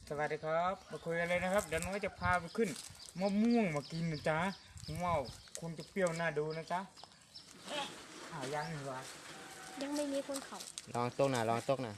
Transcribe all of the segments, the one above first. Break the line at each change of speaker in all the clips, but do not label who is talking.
สวัสดีครับมาคุยกันเลยนะครับเดี๋ยวน้อยจะพาไปขึ้นมะม่วงมากินนะจ๊ะว้าวคุณจะเปรี้ยวน่าดูนะจ๊ะยังเหรอ
ยังไม่มีคนเขา
ลองตกหน่ะลองตกหน่ะ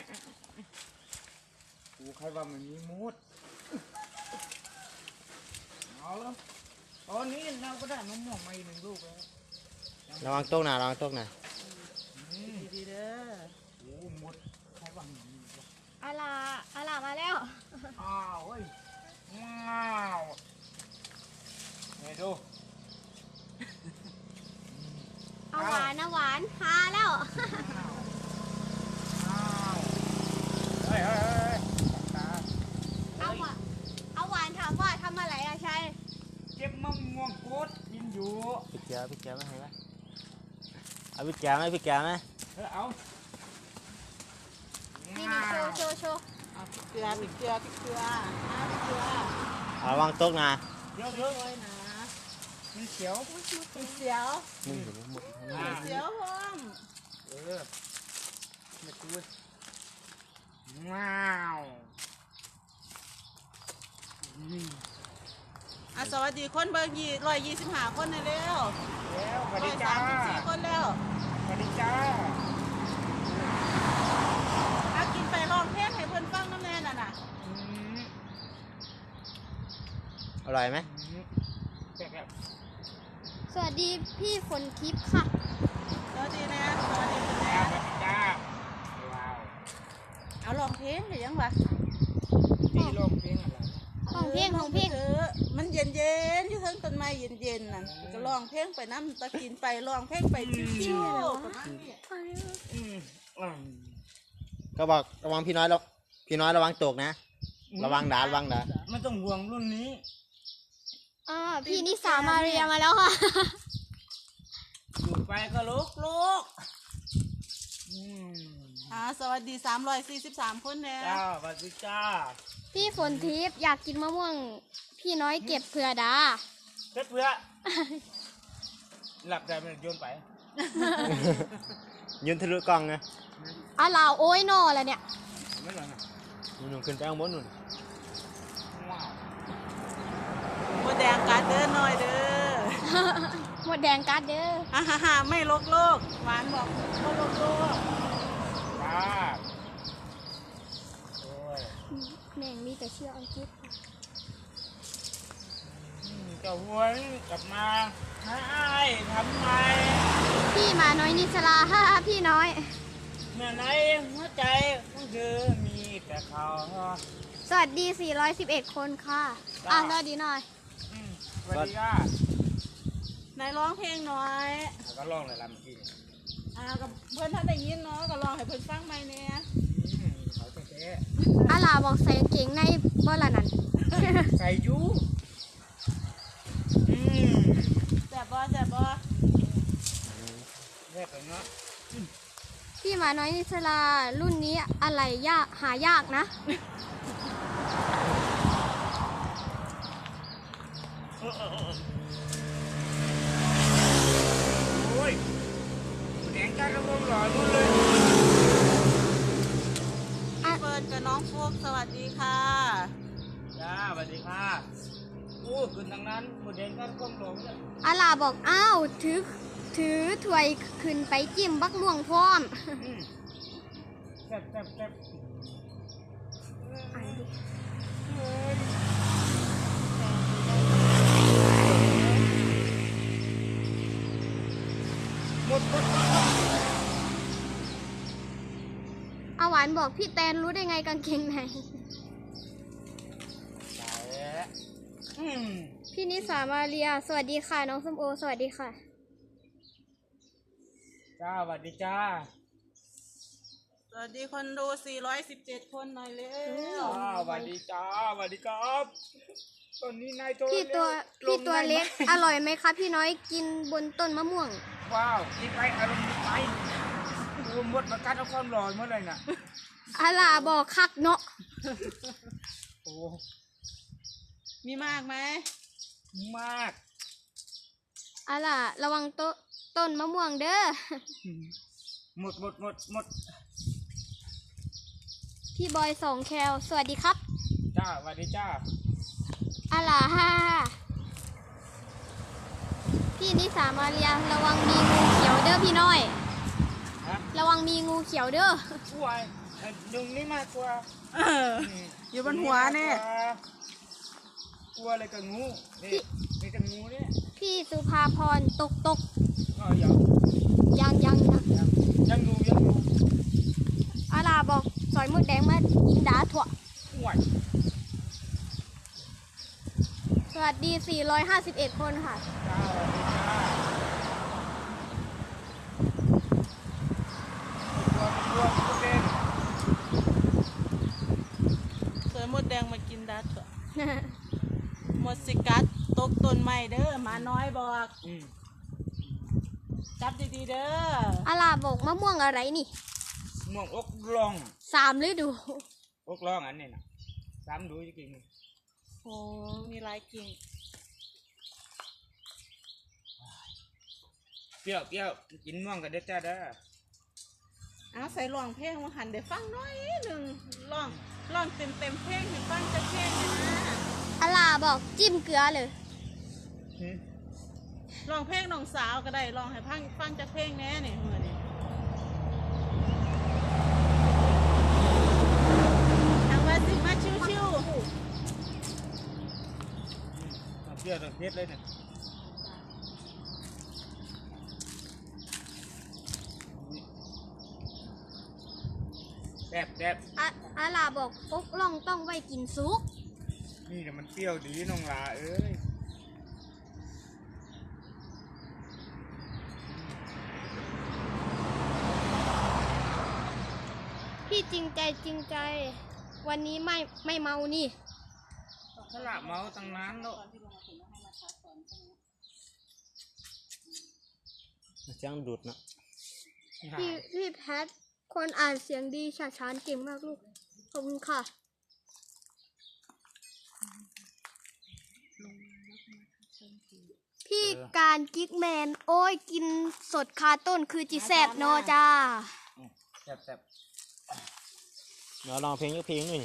กูใครว่ามันมีมูดเอาแล้วตอนนี้เราก็ได้มะม่วงมาอีก1 ลูกแล้ว
ระวังตกหน่ะระวังตกหน่ะ
ดีเด้อโอ้หมดใครว่ามันมีวะ
อาลามาแล้ว
อ้าวเฮ้ยว้าวนี่ดู
เอาหวานนะหวานพาแล้ว
เฮ้ย
เอาหวานถามว่าทำอะไรอะชัย
เก็บมะม่วงโคตรกินอยู่
พี่แก้วไหมให้ไหมเอาพี่แก้วไหม
เอา
นี่โชว์
เอาพริกเกลือ
ระวังตกหน่ะ
เยอะ
เลยนะ
มันเขียว
เสียว
มึงเห็นหมด
เสียวพร้อม
มาดูว้าว
สวัสดีคนเบอร์125 คนนะเร็ว
สวัสดีจ้า
134 คนแล้ว
สวัสดีจ้า
ถ้ากินไปร้องเพลงให้เพื่อนฟังน้ำแน่น่ะ
อร่อยไหม
สวัสดีพี่ฝนทิพย์ค่ะ
สวัสดีนะสวัสดีคุณแม่
สวัสดีจ้าว้าว
เอาร้องเพลงหรือยังวะ
ที่ร้องเพลงอะไร
ของเพลง
มันเย็นอยู่ทั้งต้นไม้เย็นน่ะก็ร้องเพลงไปน้ำตะกินไปร้องเพลงไปชิว
ก็บอกระวังพี่น้อยระวังตกนะระวังด่า
ไม่ต้องห่วงรุ่นนี้
พี่นิสามาเรียมาแล้วค่ะ
อยู่ไปก็ลุก
สวัสดี343 คนแล้ว
จ้าสวัสดีจ้า
พี่ฝนทิพย์อยากกินมะม่วงพี่น้อยเก็บเผื่อดา
เพื่อหลับใจมันโยนไป
ยืนทะลุกล้องไง
ลาโอ้ยนอแล้วเนี่ย
ไม่หรอกนะ
นุ่นขึ้นไปข้างบนนุ่น
ว้าว
หมดแดงการเดินหน่อยเด้อ
หมดแดงการเด้อ
ไม่โลกหวานบอกไม่โลก
จ้า
แม่งมีแต่เชื่ออังกฤษ
เจ้าหวนกลับมาให้ทำไม
พี่มาน้อยนิสลาพี่น้อย
เมื่อไหนหัวใจของเธอมีแต่เขา
สวัสดี411 คนค่ะสวัสดีหน่อย
สวัสดีค่ะ
นายร้องเพลงหน่อย
ก็ร้องเลยลำกี้
กับเพื่อนท่านได้ยินเนาะก็ร้องให้เพื่อนฟังไหมเนี่ย
เขาเจ๊
ลาบอกใส่เก่งในบ่ละนั่น
ใส่ยู
แซ่บบ่แซ่บ
ไปเนาะ
พี่มาน้อยนิสลารุ่นนี้อะไรหายากนะ
โอ้ยแดงกันระวงหล่อรุ่นเลย
เฟิร์นกับน้องฟุกสวัสดีค่ะ
จ้าสวัสดีค่ะโอ้ขึ้นทางนั้นหมดแดงกันก้มหลงเลย
ลาบอกถือถ้วยขึ้นไปจิ้มบักม่วงพร้อม
แซ่บหมด
หวานบอกพี่แตนรู้ได้ไงกางเกงไหนพี่นิสามาเรียสวัสดีค่ะน้องส้มโอสวัสดีค่ะ
จ้าสวัสดีจ้า
สวัสดีคนดู417 คนหน่อยเร็ว
สวัสดีจ้าสวัสดีครับตอนนี้นายพี่
ตัวเล็กอร่อยไหมคะพี่น้อยกินบนต้นมะม่วง
ว้าวกินไปอารมณ์ดีไปรวมหมดมากัดเอาความร้อนเมื่อไรน่ะ
ลาบอกคักเนาะ
โอ้
มีมากไหม
มาก
ลาระวังต้นมะม่วงเด้อ
หมด
พี่บอย2 แคลสวัสดีครับ
สวัสดีจ้า
อะล่ะฮ่าพี่นิสามาเรียระวังมีงูเขียวเด้อพี่น้อย
ฮะ
ระวังมีงูเขียวเด้อ
ช่วยดึงนี่มากกว่า
เอออยู่บนหัวเนี่ย
กลัวอะไรกับงูนี่นี่กับงูเนี่ย
พี่สุภาพรตก
อ๋อยัง
ยัง
ยังดู
อะล่ะบอกสอยมดแดงมากินดาถั่ว
ห่วย
สวัสดี 451 คนค่ะ
จ้าสวัสดีจ้าตัวเด่น
สวยมดแดงมากินดัดเถอะหมดสิกัดตกต้นไม้เด้อหมาน้อยบอก จับดีๆเด้อ
อะล่ะบอกมะม่วงอะไรนี่
ม่วงอกลอง
3 ฤดู
อกลองอันนี้นะซ้ำดูจะกิน
โอ้มีหลายกิ่ง
เปรี้ยวกินม่วงกันเด้อจ้าเด้อ
เอาใส่ร้องเพลงมาหันเดี๋ยวฟังหน้อยหนึ่งร้องเต็มเพลงให้ฟังจะเพลงเนี่ยนะ
อะล่ะบอกจิ้มเกลือเลย
ร้องเพลงน้องสาวก็ได้ร้องให้ฟังจะเพลงแน่เนี่ยมือนี่ทางว่าสิมาชิว
เปรี้ยวต้องเผ็ดเลยเนี่ยแซ่บ
อะล่ะบอกอกล่องต้องไว้กินซุก
นี่แต่มันเปรี้ยวดีน้องลาเอ้ย
พี่จริงใจ วันนี้ไม่เมานี่
สละเมาตั้งนานแล้ว
เสียงดูดเนาะ
พี่แพทคนอ่านเสียงดีฉาฉานเก่งมากลูก ขอบคุณค่ะ พี่การกิ๊กแมน โอ้ยกินสดคาต้นคือจิแซบเนอจ้า
แซ่บ
เดี๋ยวลองเพลงยักเพลงหนึ่ง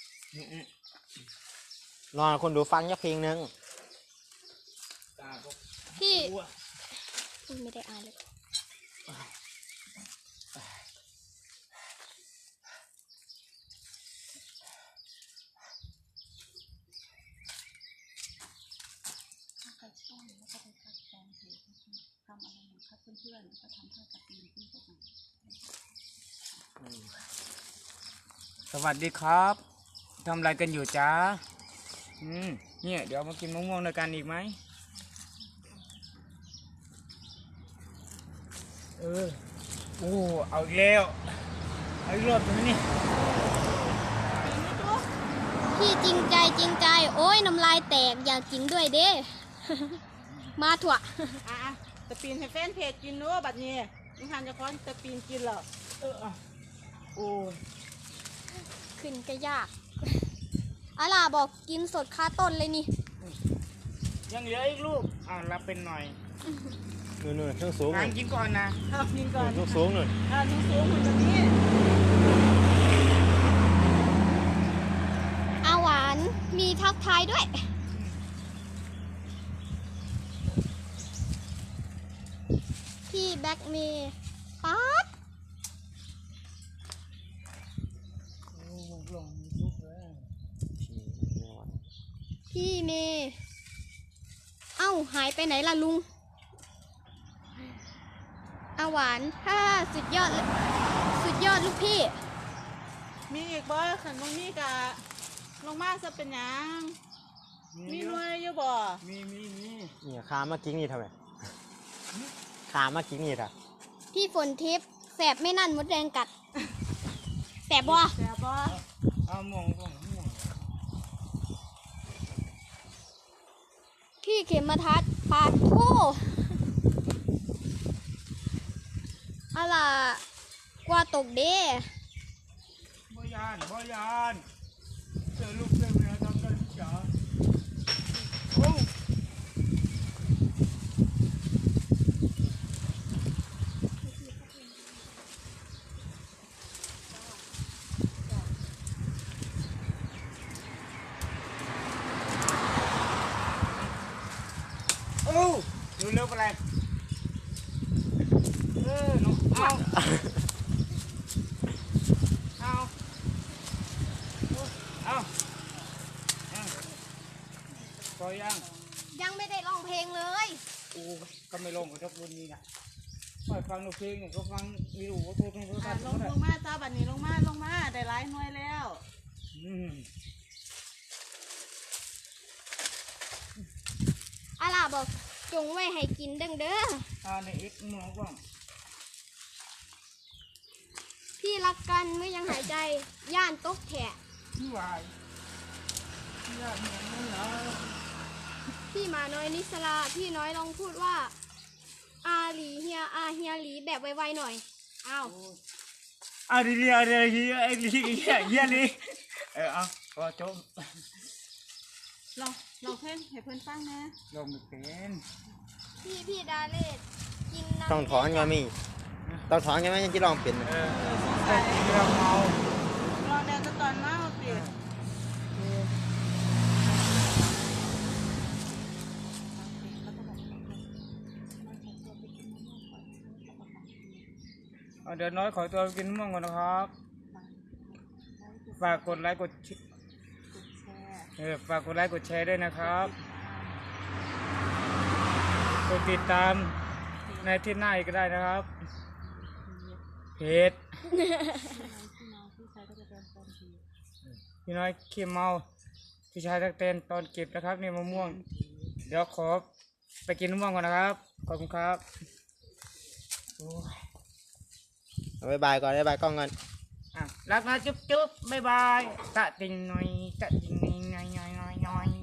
ๆ
ลองให้คนดูฟังยักเพลงหนึ่ง
ตาก็
พี่
อ้ว
อุ๊ยไม่ได้อ่านเลย
สวัสดีครับทำอะไรกันอยู่จ้าเนี่ยเดี๋ยวมากินมะม่วงด้วยกันอีกไหมโอ้เอาอีกแล้วเอาอีกรอบนึงนี่
พี่จริงใจ โอ้ยน้ำลายแตกอยากกินด้วยเด้ มาถั่ว
อ่ะตะปีนให้แฟนเพจกินเนู้บัดนี้มึงหันจะค้อนตะปีนกินเหรอ
โอ้ย
ขึ้นก็ยาก อะล่ะบอกกินสดคาต้นเลยนี่
ยังเหลืออีกลูกรับเป็นหน่อย
นู่นๆเครื่องสูง
งานกินก่อนนะ
เอากินก่อน
เครื่องสูงนู่น
นุ่งสูงเหมือนแบบนี้
อาหวานมีทักทายด้วย พี่แบ็กเมย์ป๊าด
ลงลุกเลย
พี่เมย์เอ้าหายไปไหนล่ะลุงอาหวานถ้าสุดยอดเลยสุดยอดลูกพี่
มีอีกบ่ขันตรงนี้กะลงมาจะเป็นหยังมีหน่วยอยู่บ่
มี
เนี่ยขามากิ้งนี่ทำไมขามากิ้งนี่ท่ะ
พี่ฝนทิพย์แสบไม่นั่นมดแดงกัด แสบบ่
แต่บ่
เอาม่วง
พี่เข็มมาทัดปาดโทอะไรกว่าตกเด้
บ่ยานเจอลูกเจอเมียทำได้ทุกอย่างโอ้บอะไรน้องเอาพอยัง
ยังไม่ได้ร้องเพลงเลย
โอ้ก็ไม่ลงกับทุกรุ่นนี้นะปล่อยฟังเพลงเนี่ยก็ฟังไม่รู้ว่าตัวเป็นตัว
อ่ะ
ตัด
ลงมาจ้าบัดนี้ลงมาได้หลายหน่วยแล้ว
อาล่ะบอกจงไว้ให้กินเด้อ
ในเอ็กซ์มองกล้อง
พี่รักกันเมื่อยังหายใจย่านตกแถะ
พี่วายยากเหมือนกันนะ
พี่หมาน้อยนิสลาพี่น้อยลองพูดว่าอาหลีเฮียเฮียหลีแบบไวๆหน่อยอ้าว
อะไรเฮียนี่เอาพอจบ
ลองเพลงให้เพื่อนฟังนะ
ลงไม่เป็น
พี่ดาเลศกินน้ำ
ต้องถอนไงมี่ต้องถอนไงไหมยังจะลองเป็น
แต่เราเมา
ลองแดนตอนเมาติ
เดี๋ยวน้อยขอตัวกินมะม่วงก่อนนะครับ ฝากกดไลค์กดฝากกดไลค์กดแชร์ด้วยนะครับ กดติดตามในที่หน้าอีกก็ได้นะครับ เพจพี่น้อยขี้เมาพี่ชายตักเต้นตอนเก็บนะครับนี่มะม่วง เดี๋ยวขอไปกินมะม่วงก่อนนะครับ ขอบคุณครับโอ้ย
บ๊ายบายก่อนบ๊ายบายกล้องก่อน
รักนะจุ๊บจุ๊บบ๊ายบายตะติงหน่อยตะติงหน่อยหน่อยหน่อยหน่อย